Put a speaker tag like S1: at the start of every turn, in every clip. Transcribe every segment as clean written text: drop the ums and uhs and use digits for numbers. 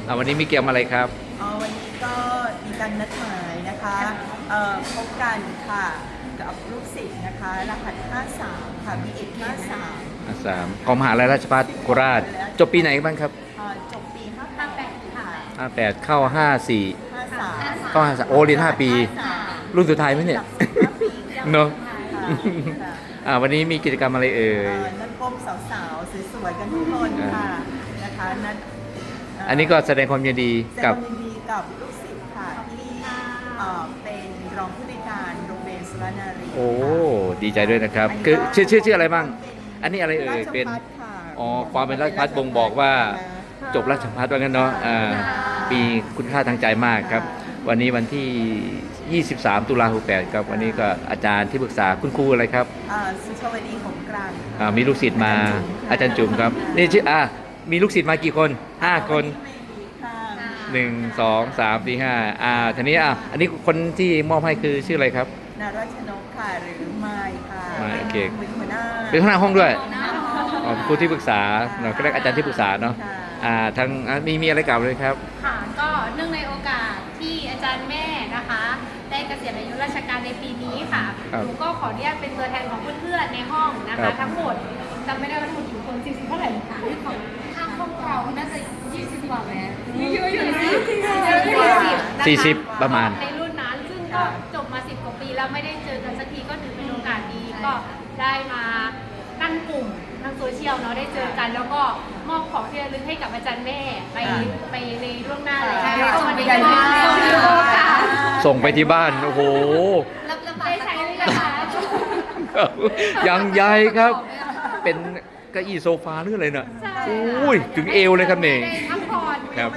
S1: วันนี้มีเกมอะไรครับ
S2: วันนี้ก็มีการนัดหมายนะคะพบกันค่ะกับลูกศิษย์นะคะรหัส 53 ค่ะ B1 53
S1: 3ของมหาลัยราชภัฏโคราชจบปีไหนบ้างครับ
S2: จบปี 58 ค่ะ
S1: 58เข้า54
S2: 53
S1: เข้า53โอ้เรียน5 ปี รุ่นสุดท้ายไหมเนี่ยเนอะวันนี้มีกิจกรรมอะไรเอ่ย
S2: นัดพบสาวๆสวยๆกันทุกคนค่ะนะคะนัด
S1: อันนี้ก็แสดงความยินดีกับ
S2: ลูกศิษย์ค่ะที่เป็นรองผู้ในวยการโรงเรียนสุรนารี
S1: โอ้ดีใจด้วยนะครับคือชื่ออะไรบ้างอันนี้อะไรเอ่ยเป็นความเป็นราชภัฏบ่งบอกว่าจบราชภัฏว่างั้นเนาะมีคุณค่าทางใจมากครับวันนี้วันที่ 23 ตุลาคม 68ครับวันนี้ก็อาจารย์ที่ปรึกษาคุณครูอะไรครับ
S2: สุชาวดีหงกลาง
S1: มีลูกศิษย์มาอาจารย์จุ๋มครับนี่ชื่อมีลูกศิษย์มากี่คน5 คน1 2 3 4 5ทีนี้อันนี้คนที่มอบให้คือชื่ออะไรครับ
S2: นาราชนกค่ะหรือไมค์ค่ะ
S1: โอเค
S2: เป็นหัวหน้า
S1: ห้องด้วยครูที่ปรึกษาเราก็เรียกอาจารย์ที่ปรึกษาเนาะทางมีอะไรกล่าวเลยครับ
S3: ค่ะก็เนื่องในโอกาสที่อาจารย์แม่นะคะได้เกษียณอายุราชการในปีนี้ค่ะหนูก็ขออนุญาตเป็นตัวแทนของเพื่อนๆในห้องนะคะทั้งหมดจำไม่ได้ว่าทั้งหมดกี่คน40เท่าไหร่คะทางห้องเราน่าจะ20 กว่าแม่เยอะอยู่
S1: 40ประมาณ
S3: ในรุ่นนั้นซึ่งก็จบมา10 กว่าปีแล้วไม่ได้เจอกันสักทีก็ถือเป็นโอกาสดีก็ได้มาตั้งกลุ่มทางโซเชียลเนาะได้เจอกันแล้วก็มอบของที่ระลึกให้กับอาจารย์แม่ไปในล่วงหน้าเลยค่ะวันนี้ก็
S1: ส่งไปที่บ้านโอ้โห
S3: ได้ใช้เลยนะคะ
S1: ยังใหญ่ครับเป็นเก้าอี้โซฟาหรืออะไรน่ะอุ้ยถึงเอวเลยครับเนี่ยครับ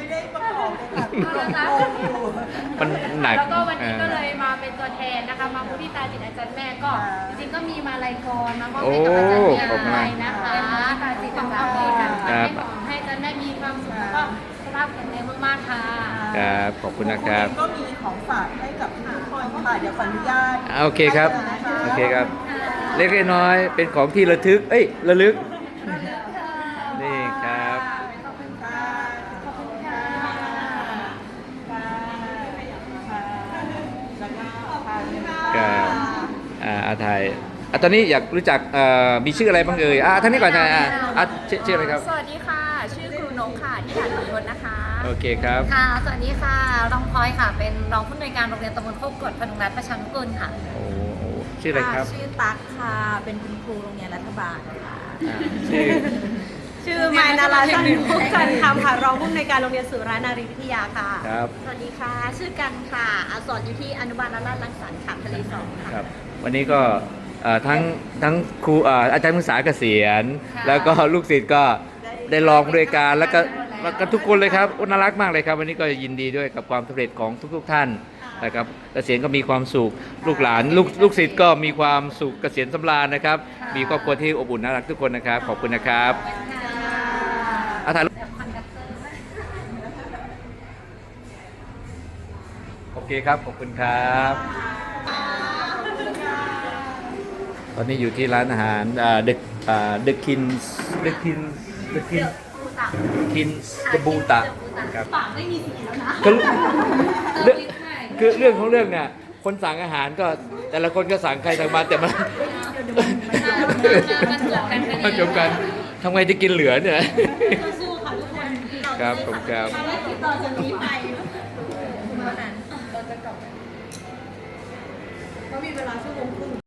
S1: มันหนัก
S3: แล้วก็วันนี้ก็เลยมาเป็นตัวแทนนะคะมามุทิตาจิตอาจารย์แม่ก็จริงๆก็มีมาลัยกรมามอบให้กับอาจารย์แม่นะคะจิตของเราเองให้อาจารย์แม่มีความสุขแล้วก็สุขภาพแข็งแรงมากๆค่ะ
S1: ครับขอบคุณนะครับ
S2: ก็มีของฝากให้กับทุกคนค่ะเดี๋ยวขออนุญาต
S1: โอเคครับโอเคครับเล็กน้อยเป็นของที่ระลึกระลึกนี่ครับไทยตอนนี้อยากรู้จักมีชื่ออะไรบ้างเอ่ยท่านนี้ก่อนชื่ออะไรครับ
S4: สวัสดีค่ะชื่อครูนกค่ะที่ด่านขุนทดนะคะ
S1: โอเคครับ
S4: ค่ะสวัสดีค่ะรองพลอยค่ะเป็นรองผู้อำนวยการโรงเรียนตำบลโคกกดพดุงรัตน์ประชานุกูลค่ะ
S1: โอ้ชื่ออะไรครับ
S4: ชื่อตั๊กค่ะเป็นคุณครูโรงเรียนรัฐบาลค่ะ
S5: ชื่อไมายนาราจันทร์พุกกันคำค่ะรองผู้อำนวยการโรงเรียนสุรานารีวิทยาค่ะ
S1: ครับ
S4: สวัสดีค่ะชื่อกันค่ะสอนอยู่ที่อนุบาลราชรังสรรค์ค่ะทะเลสองค่ะ
S1: ครับวันนี้ก็ทั้งครูอาจารย์ศึกษาเกษียณแล้วก็ลูกศิษย์ก็ได้ลองด้วยการแล้วก็ทุกคนเลยครับน่ารักมากเลยครับวันนี้ก็ยินดีด้วยกับความสำเร็จของทุกท่านนะครับเกษียณก็มีความสุขลูกหลานลูกศิษย์ก็มีความสุขเกษียณสำราญนะครับมีครอบครัวที่อบอุ่นน่ารักทุกคนนะครับขอบคุณนะครับถ่ายโอเคครับขอบคุณครับตอนนี้อยู่ที่ร้านอาหารเดอะคินบูตะครับ
S3: ปากไม่มีสีแล้วนะ
S1: คือเรื่องของเรื่องเนี่ยคนสั่งอาหารก็แต่ละคนก็สั่งใครสั่งมาแต่มันจบกันทำไงจะกินเหลือเนี่ย
S5: สู้ค่ะทุกคน
S1: ครับผมครับ
S5: ภารกิจต่อจากนี้ไปเราจะกลับเรามีเวลาชั่วโมงครึ่ง